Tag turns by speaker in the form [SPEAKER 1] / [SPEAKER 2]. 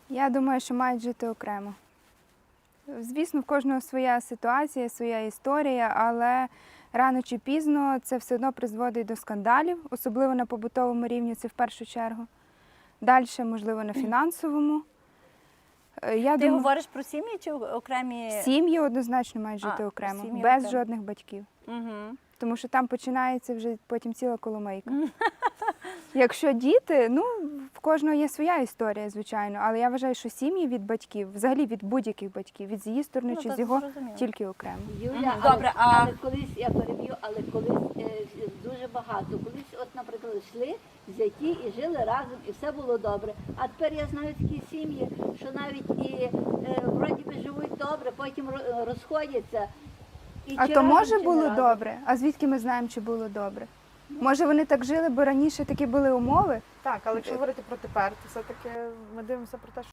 [SPEAKER 1] Я думаю, що мають жити окремо. Звісно, в кожного своя ситуація, своя історія, але рано чи пізно це все одно призводить до скандалів, особливо на побутовому рівні, це в першу чергу. Далі, можливо, на фінансовому.
[SPEAKER 2] Ти говориш про сім'ї чи окремі?
[SPEAKER 1] Сім'ї однозначно мають жити окремо,
[SPEAKER 2] сім'ї
[SPEAKER 1] без
[SPEAKER 2] окремо.
[SPEAKER 1] жодних батьків.
[SPEAKER 2] Угу.
[SPEAKER 1] Тому що там починається вже потім ціла коломийка. Якщо діти, ну, в кожного є своя історія, звичайно, але я вважаю, що сім'ї від батьків, взагалі від будь-яких батьків, від її сторони
[SPEAKER 2] Ну,
[SPEAKER 1] чи
[SPEAKER 2] то
[SPEAKER 1] з його,
[SPEAKER 2] зрозуміло.
[SPEAKER 1] тільки окремо.
[SPEAKER 3] Юля,
[SPEAKER 2] Добре,
[SPEAKER 3] але колись, я переб'ю, але колись дуже багато. Колись, от, наприклад, йшли зяті і жили разом, і все було добре. А тепер я знаю такі сім'ї, що навіть і вроді би живуть добре, потім розходяться. І
[SPEAKER 1] А
[SPEAKER 3] чи
[SPEAKER 1] то
[SPEAKER 3] разом,
[SPEAKER 1] може
[SPEAKER 3] чи не
[SPEAKER 1] було
[SPEAKER 3] разом.
[SPEAKER 1] добре? А звідки ми знаємо, чи було добре? Може вони так жили, бо раніше такі були умови?
[SPEAKER 4] Так, але якщо говорити про тепер, то все-таки ми дивимося про те,